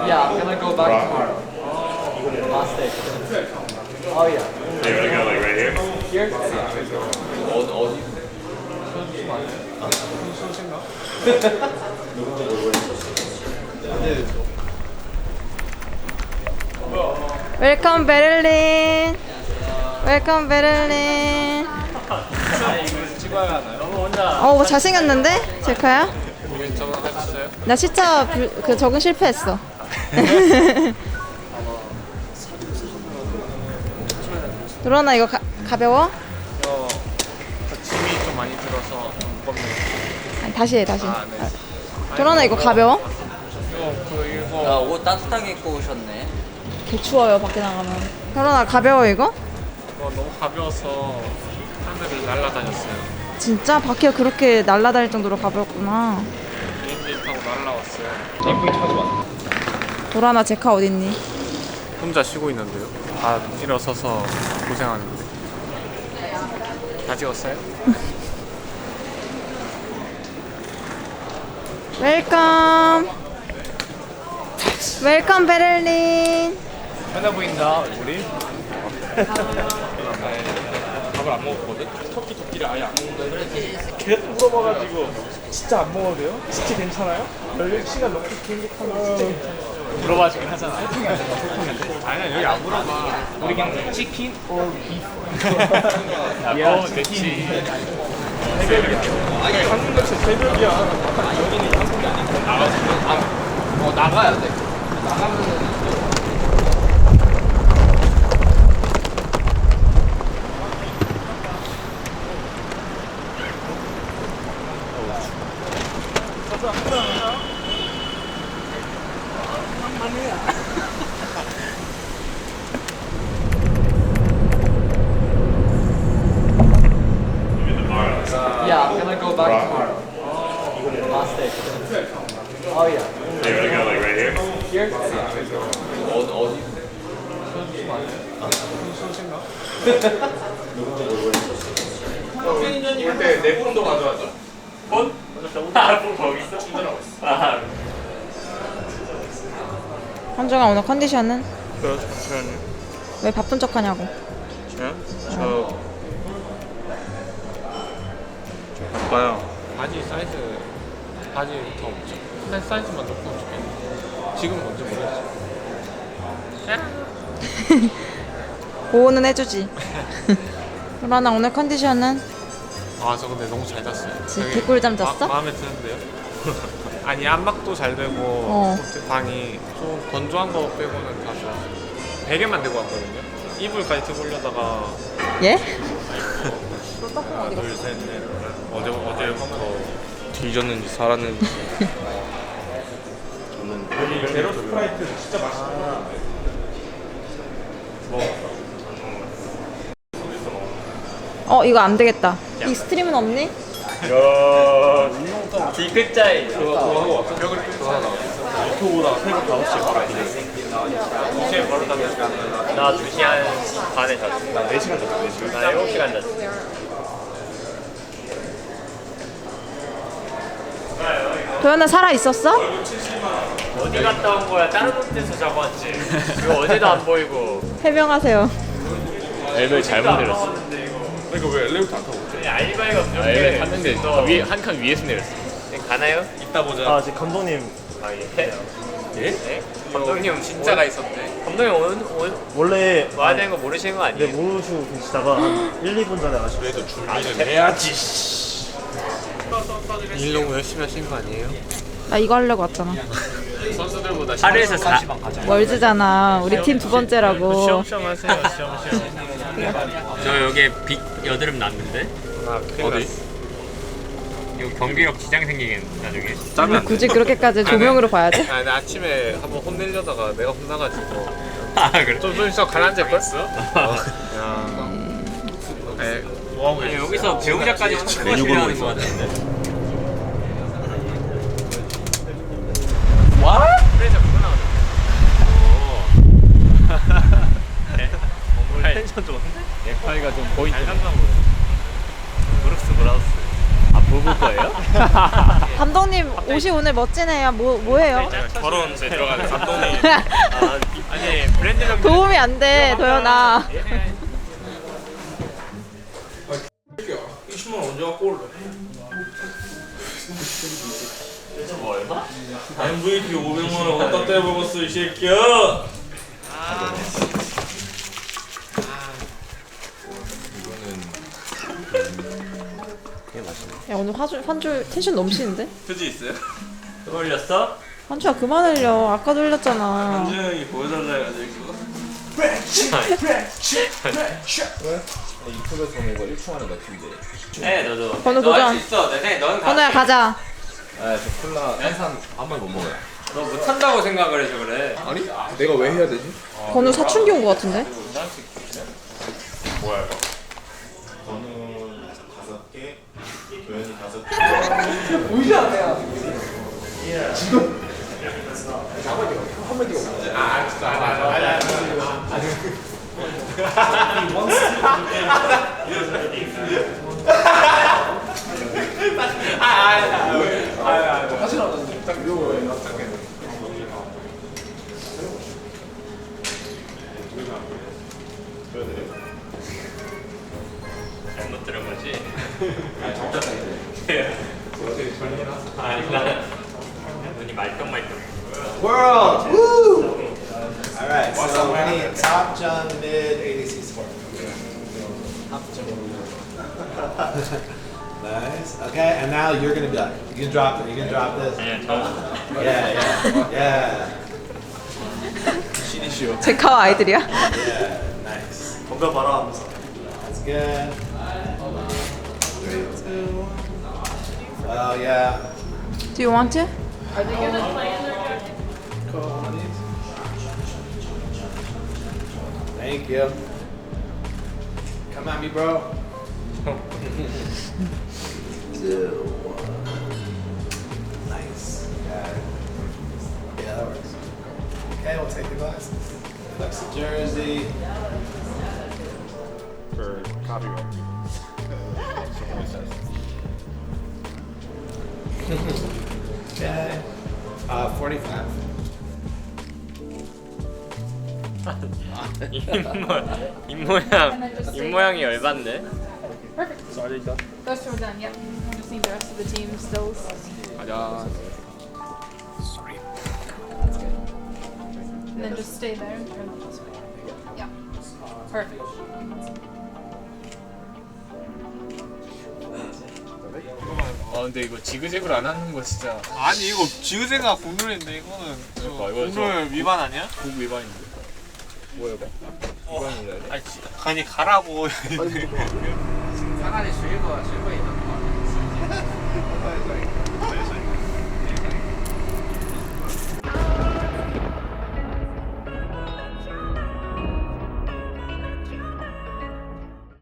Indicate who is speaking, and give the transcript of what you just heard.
Speaker 1: Yeah, I'm gonna go back tomorrow. Last day. Oh yeah.
Speaker 2: So you wanna go like right here?
Speaker 1: Here? 어디?
Speaker 3: 웰컴 베를린. 웰컴 베를린.
Speaker 1: 찍어야 하나요?
Speaker 3: 뭐 잘생겼는데? 제카야?
Speaker 1: 저번 해봤어요?
Speaker 3: 나 시차 그 적응 실패했어. 도란아 이거 가벼워?
Speaker 1: 짐이 좀 많이 들어서 무겁네요.
Speaker 3: 아니, 다시 해 다시.
Speaker 1: 아, 네.
Speaker 3: 도란아 이거 가벼워?
Speaker 1: 이거
Speaker 4: 옷 따뜻하게 입고 오셨네.
Speaker 3: 개 추워요 밖에 나가면. 도란아 가벼워 이거?
Speaker 1: 너무 가벼워서 하늘을 날아다녔어요.
Speaker 3: 진짜 밖에 그렇게 날아다닐 정도로 가벼웠구나.
Speaker 1: 비행기 타고 날아왔어요.
Speaker 3: 도란아 제카 어딨니?
Speaker 1: 혼자 쉬고 있는데요. 다 일어서서 고생하는데. 다 찍었어요?
Speaker 3: 웰컴. 웰컴 베를린.
Speaker 1: 편해 보인다 우리. 밥을 안 먹었거든? 토끼를 아예 안 먹는다는데 계속 물어봐가지고 진짜 안 먹어도 돼요? 진짜 괜찮아요? 16시간 넘게 비행기 타면 진짜 괜찮아요? 물어봐주긴 하잖아. 아니야 여기 안 물어봐. 우리 그냥 치킨 or beef. 야 치킨. 새벽이야. 아니 한국 같이 새벽이야. 여기는 한국이 아니고 나가야 돼. 나가면은 Yeah, I'm gonna go back tomorrow. Last day. Oh yeah.
Speaker 2: So you wanna go like right here?
Speaker 1: Here? 어디?
Speaker 2: 그때 내 폰도 가져왔죠? 폰? 폰 거기 있어? 충전하고 있어.
Speaker 3: 현정아 오늘 컨디션은?
Speaker 1: 저는
Speaker 3: 왜 바쁜 척하냐고.
Speaker 1: 저 바빠요. 바지 더 없죠. 사이즈만 조금 좋겠는데 지금 뭔지 모르겠어요.
Speaker 3: 보호는 해주지. 도란아 오늘 컨디션은?
Speaker 1: 저 근데 너무 잘 잤어요.
Speaker 3: 진짜
Speaker 1: 되게
Speaker 3: 개꿀잠 잤어?
Speaker 1: 마음에 드는데요? 아니 안막도 잘 되고 방이 좀 건조한 거 빼고는 다 좋았어요. 베개만 들고 왔거든요. 이불까지 들고 오려다가
Speaker 3: 예?
Speaker 2: 둘, 셋, 넷. 어제부터 뒤졌는지 살았는지. 저는 제로 스프라이트 진짜 맛있어.
Speaker 3: 이거 안 되겠다. 이 스트림은 없니?
Speaker 4: 디귿자에
Speaker 2: 유튜브보다 새벽 5시에 바로 앞이네.
Speaker 1: 2시에 바로 잤는데
Speaker 4: 나 2시간 반에 잤어.
Speaker 2: 나 4시간 잤어, 4시간.
Speaker 4: 나 7시간 잤어.
Speaker 3: 도연아 살아 있었어?
Speaker 4: 어디 갔다 온 거야? 다른 데서 자고 왔지. 이거 어제도 안 보이고.
Speaker 3: 해명하세요.
Speaker 2: 엘베 잘못 내렸어. 그러니까 왜 엘리베이터 안 타고 오지?
Speaker 4: 알바이가 없는
Speaker 2: 엘베 탔는데 위에 한 칸 위에서 내렸어.
Speaker 4: 가나요?
Speaker 2: 이따 보자.
Speaker 5: 지금 감독님
Speaker 4: 예?
Speaker 2: 예?
Speaker 1: 감독님 진짜가 있었네.
Speaker 4: 감독님 오늘
Speaker 5: 원래
Speaker 4: 와야 되는 거 모르시는 거 아니에요?
Speaker 5: 모르시고 계시다가 한 1, 2분 전에 아시고
Speaker 2: 그래도 준비는 해야지.
Speaker 1: 일 너무 열심히 하신 거 아니에요?
Speaker 3: 나 이거 하려고 왔잖아.
Speaker 1: 선수들보다
Speaker 4: 하루에서 4
Speaker 3: 월즈잖아. 우리 팀 두 번째라고.
Speaker 1: 시험시험 하세요. 시험시험.
Speaker 4: 저 여기에 빅 여드름 났는데?
Speaker 1: 어디?
Speaker 4: 이거 경기력 지장 생기겠네 나중에.
Speaker 1: 짜면 안 돼.
Speaker 3: 굳이 그렇게까지 조명으로 봐야 돼?
Speaker 1: 아니 나 아침에 한번 혼내려다가 내가 혼나가지고
Speaker 4: 아 그래?
Speaker 1: 좀 있어 가라앉을걸? 야. 뭐하고
Speaker 4: 아니,
Speaker 1: 계셨어요?
Speaker 4: 여기서 배우자까지 자꾸
Speaker 2: 메뉴
Speaker 4: 하는
Speaker 2: 고르고
Speaker 4: 거 같은데.
Speaker 1: 그래서 그거 나오네.
Speaker 4: 텐션 좋은데?
Speaker 2: 넥타이가 좀 보인다.
Speaker 1: 잘 산다 보여.
Speaker 4: 브룩스 브라우스.
Speaker 2: 아, 부부 거예요?
Speaker 3: 감독님 옷이 오늘 멋지네요. 뭐예요?
Speaker 1: 결혼에 들어가는 감독님.
Speaker 4: 아니 브랜드명
Speaker 3: 도움이 안 돼, 도연아.
Speaker 1: 20만 원 언제 갖고 올래?
Speaker 4: 뭐 얼마?
Speaker 1: MVP 500만 원 어디다 떼먹었어 이 새끼야.
Speaker 3: 야, 오늘 환주 텐션 넘치는데?
Speaker 1: 표지 있어요?
Speaker 4: 또 올렸어?
Speaker 3: 환주야, 그만 흘려. 아까도 흘렸잖아.
Speaker 1: 한주 형이 보여달라 해가지고.
Speaker 6: 유튜브에서 보면 이거 1초 만에 넣힌대.
Speaker 4: 해 너도.
Speaker 3: 번호
Speaker 4: 너 할
Speaker 3: 도전.
Speaker 4: 수 있어. 넌
Speaker 3: 건우야, 가자.
Speaker 6: 아, 저 콜라 탄산 한 번 못 먹어요.
Speaker 4: 너 못한다고 생각을 해서 그래.
Speaker 6: 아니? 내가 왜 해야 되지?
Speaker 3: 건우 사춘기 온 거 같은데?
Speaker 4: 뭐야 이거?
Speaker 7: 저는 5개, 도현이 5개.
Speaker 4: 잘못 들은 거지? 아니 나는 눈이 말똥말똥.
Speaker 7: World! Woo! Alright, so we need top, jump, mid, ADC support. Nice. Okay, and now you're gonna be like, you can drop it, you can drop this.
Speaker 4: 아니야 저
Speaker 7: Yeah.
Speaker 3: 제카와 아이들이야?
Speaker 7: Yeah, nice.
Speaker 5: 뭔가 봐라 하면서.
Speaker 7: That's good. 3, 2. Oh, yeah.
Speaker 3: Do you want to?
Speaker 7: Cool. Thank you. Come at me, bro. 2, 1. Nice. Yeah, that works. Okay, we'll take the glasses. Flex the jersey.
Speaker 6: For copyright.
Speaker 7: Okay. 45.
Speaker 4: 입모양이 열받네.
Speaker 8: Those two are done, yep. Just need the rest of the team stills.
Speaker 6: 가자.
Speaker 8: And then just stay there and turn them this way. Yeah. Perfect.
Speaker 1: 아 근데 이거 지그재그를 안 하는 거 진짜. 아니 이거 지그재그가 국룰인데 이거는 국룰 위반 아니야? 국 위반인데.
Speaker 6: 뭐야 이거? 이거는 왜?
Speaker 1: 아니 가라고.
Speaker 4: 사간에 실버 있는 거.